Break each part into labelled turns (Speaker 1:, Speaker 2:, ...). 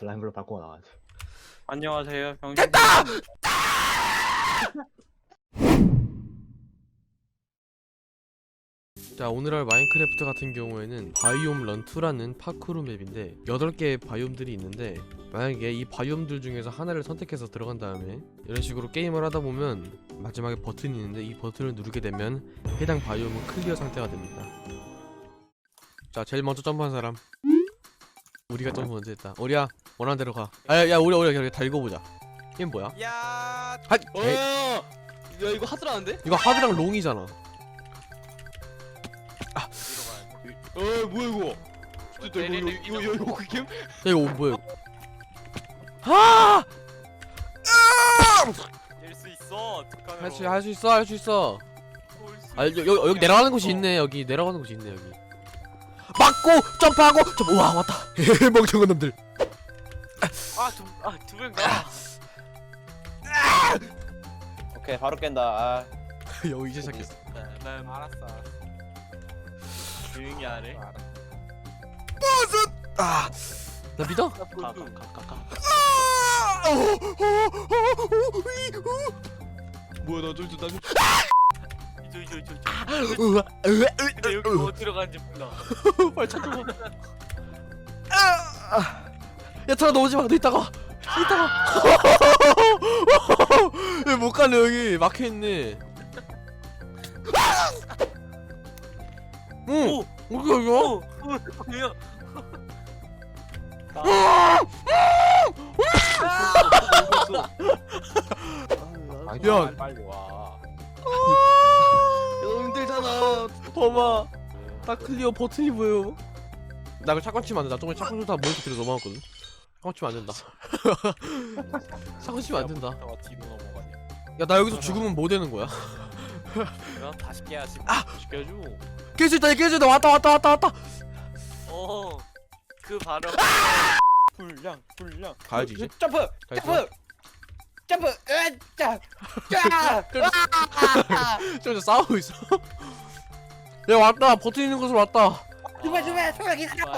Speaker 1: 슬라임으로 바꾸고 나와야지.
Speaker 2: 안녕하세요. 병신.
Speaker 3: 됐다! 자, 오늘 할 마인크래프트 같은 경우에는 바이옴 런2라는 파쿠르 맵인데 8개의 바이옴들이 있는데, 만약에 이 바이옴들 중에서 하나를 선택해서 들어간 다음에 이런 식으로 게임을 하다 보면 마지막에 버튼이 있는데, 이 버튼을 누르게 되면 해당 바이옴은 클리어 상태가 됩니다. 자, 제일 먼저 점프한 사람. 우리가 점프 먼저 했다. 우리야, 원하는 대로 가. 야, 우리가 다 읽어보자. 게임 뭐야?
Speaker 2: 야.
Speaker 3: 야,
Speaker 2: 이거 하드라는데?
Speaker 3: 이거 하드랑 롱이잖아.
Speaker 2: 뭐야 이거? 이거 그 게임?
Speaker 3: 야, 이거 뭐야? 아!
Speaker 2: 낼수 있어.
Speaker 3: 할 수 있어. 아, 여기 내려가는 곳이 있네. 여기 내려가는 곳이 있네. 여기 맞고 점프하고 우와, 왔다. 멍청한 놈들.
Speaker 2: 두 명가.
Speaker 4: 오케이 바로 깬다.
Speaker 3: 여기 이제 시작했어.
Speaker 2: 난 알았어. 조용히 하래.
Speaker 3: 나 믿어?
Speaker 2: 가.
Speaker 3: 뭐야, 나 좀
Speaker 2: 근데 여기 어디로 가는지 몰라.
Speaker 3: 빨리 찾아봐. 야, 들어, 너 오지 마. 너 이따가. 못 가네. 여기 막혀 있네. 응. 여기야.
Speaker 2: 뭐야?
Speaker 3: 야.
Speaker 4: 빨리 와.
Speaker 2: 너무 힘들잖아.
Speaker 3: 봐봐. 딱 클리어 버튼이 보여. 나 이거 샷건 치면 안 돼. 나 저번에 샷건 쏘다 모니터 뒤로 넘어갔거든. 샷건 치면 안 된다. 샷건 치면 안 된다.
Speaker 4: 뒤로 넘어가냐?
Speaker 3: 야, 나 여기서 죽으면 뭐 되는 거야?
Speaker 4: 그럼 다시 깨야지.
Speaker 2: 시켜줘.
Speaker 3: 깰 수 있다. 왔다.
Speaker 2: 그 바로. 불량.
Speaker 3: 가야지 이제.
Speaker 4: 점프.
Speaker 3: 가 있어.
Speaker 4: 짜.
Speaker 3: 저기서 싸우고 있어. 야, 왔다. 버튼 있는 곳으로 왔다.
Speaker 4: 주말 기다려.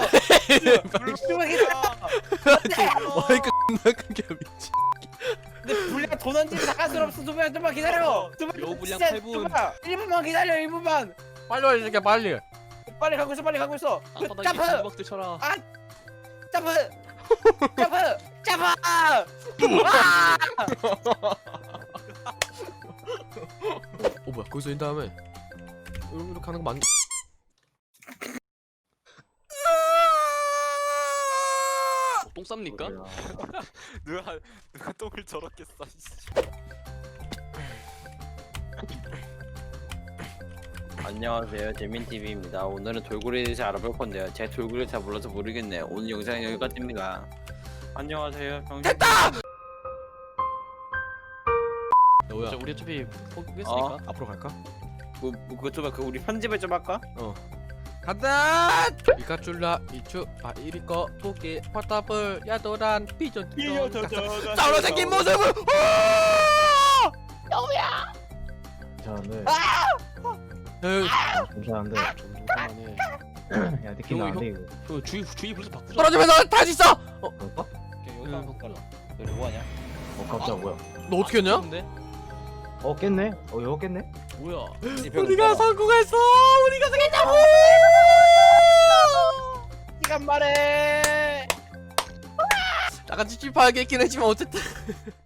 Speaker 3: 마이크 존나 큰게 미치.
Speaker 4: 근데 불량 도난 집이 나갈 수 없어. 좀만 기다려.
Speaker 2: 여분량 8분.
Speaker 4: 1분만 기다려. 1분만.
Speaker 3: 빨리 새끼야, 빨리.
Speaker 4: 빨리 가고 있어. 점프.
Speaker 2: 먹들 쳐라.
Speaker 4: 점프.
Speaker 3: 뭐야, 거기서 인 다음에 이렇게 하는 거 맞?
Speaker 2: 똥 쌉니까? 누가 똥을 저렇게 싸.
Speaker 4: 안녕하세요, 재민TV입니다. 오늘은 돌고래에 대해서 알아볼 건데요. 제가 돌고래를 잘 몰라서 모르겠네요. 오늘 영상은 여기까지입니다.
Speaker 2: 안녕하세요. 병신.
Speaker 3: 됐다! 뭐야?
Speaker 2: 우리 어차피 포기했으니까.
Speaker 3: 앞으로 갈까?
Speaker 4: 그것 좀 우리 편집을 좀 할까?
Speaker 3: 간다! 피카츄라 이추 이리꺼 토끼 퍼타블 야도란 피존 싸우러 생긴 모습을
Speaker 1: 괜찮은데. 괜찮은데.
Speaker 3: 그만해.
Speaker 1: 야, 느낌이 안 돼 이거.
Speaker 2: 주의 불러서 바꾸자.
Speaker 3: 떨어지면서 다시 있어!
Speaker 1: 그럴까?
Speaker 4: 여기서 한번 깔라. 너 뭐하냐?
Speaker 1: 깜짝 뭐야?
Speaker 3: 너 어떻게 했냐?
Speaker 1: 깼네? 이거 깼네?
Speaker 2: 뭐야?
Speaker 3: 우리가 성공했어! 우리가 성공했다고!
Speaker 4: 시간 말해.
Speaker 3: 약간 찝찝하게 있긴 했지만 어쨌든